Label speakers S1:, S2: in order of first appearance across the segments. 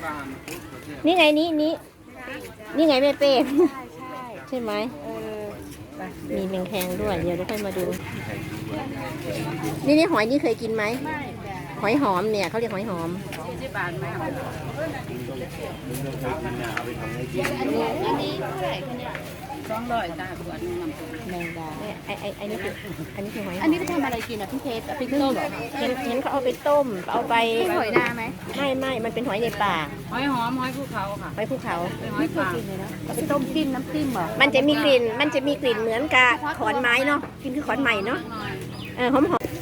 S1: นี่ไงนี่ไงแม่เป้ใช่ไหมมีแมงแคงด้วยเดี๋ยวเราค่อยมาดูนี่หอยนี่เคยกินไหมหอยหอมเนี่ยเขาเรียกหอยหอมอันนี้เท่าไหร่คะเนี่ย
S2: 200จ้าบวช
S1: แมงดาไอ้นี่คือหอยหอม
S2: อันนี้ไปทำอะไรกินอ่ะพี่เพชรพริกต้มเหรอ
S1: เห็นเขาเอาไปต้มเอาไป
S2: หอยนาไหม
S1: ไม่มันเป็นหอยในป่า
S2: หอยหอมหอยภูเขาค่ะ
S1: หอยภูเขา
S2: ไม่เคยกินเลยนะต้มจิ้มน้ำจิ้มเหรอ
S1: มันจะมีกลิ่นเหมือนกับขอนไม้เนาะกินคือขอนใหม่เนาะหอม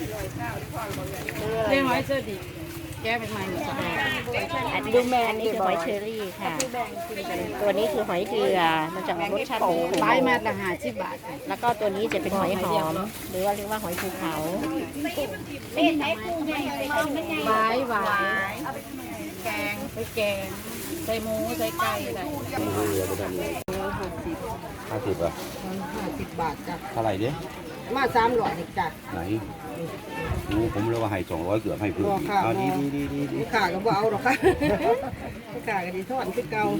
S2: เรียกหอยเชอร์ดีแก้เป็นไม้หมด
S1: ดูแมงอันนี้คือหอยเชอรี่ค่ะตัวนี้คือหอยเกลือมันจะรสชาติ
S2: ใบมาละ50 บาท
S1: แล้วก็ตัวนี้จะเป็นหอยหอมหรือว่าเรียกว่าหอยภูเขา
S2: หวายแกงไปแกงใส่หมูใส่ไก่อะไร
S3: 50 อ่ะ
S2: 50 บาทจ้ะ
S3: เท่าไหร่ดิ
S2: มา300จ้ะ
S3: ไหนผมเลยว่าให้200เกือบให้พื้นดี
S2: ลูกค้าก็บ่เอาหรอกค่ะลูกค้าก็ดีทอดคือเก่า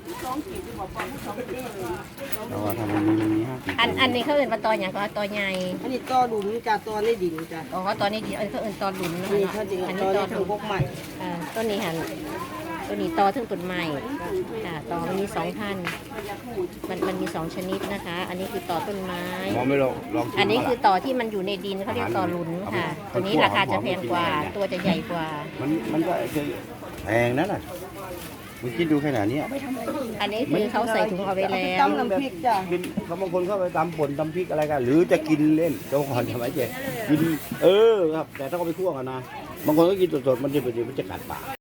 S3: แล้วว่าทำมันมี
S1: อันนี้เขาเอิ้นว่าตออย่างก็ตอใหญ่
S2: อันนี้ตอหลุมจ้ะตอในดินจ้ะ
S1: อ๋อตอนนี้ดีเขาเอิ้นตอหลุม
S2: นี่เขาจริงอันนี้ตอถึงพวกใหม่
S1: ต้นนี้หันตัวนี้ตอถึงต้นใหม่ค่ะตอมันมี2 พันมันมี2 ชนิดนะคะ อันนี้คือตอต้นไม้อันนี้คือตอที่มันอยู่ในดินเขาเรียกตอหลุนค่ะตัวนี้ราคาจะแพงกว่าตัวจะใหญ่กว่า
S3: มันก็แพงนั่นน่ะมึงคิดดูขนาดนี้
S1: อันนี้คือเขาใส่ถุงเอาไว้แล้ว
S2: ตำน้ำพริกจ้ะ
S3: กินบางคนเข้าไปตำป่นตำพริกอะไรกันหรือจะกินเล่นเจ้าของทำไมเจ๊กินครับแต่ถ้าเขาไปคั่วกันนะบางคนก็กินสดๆมันจะกัดปาก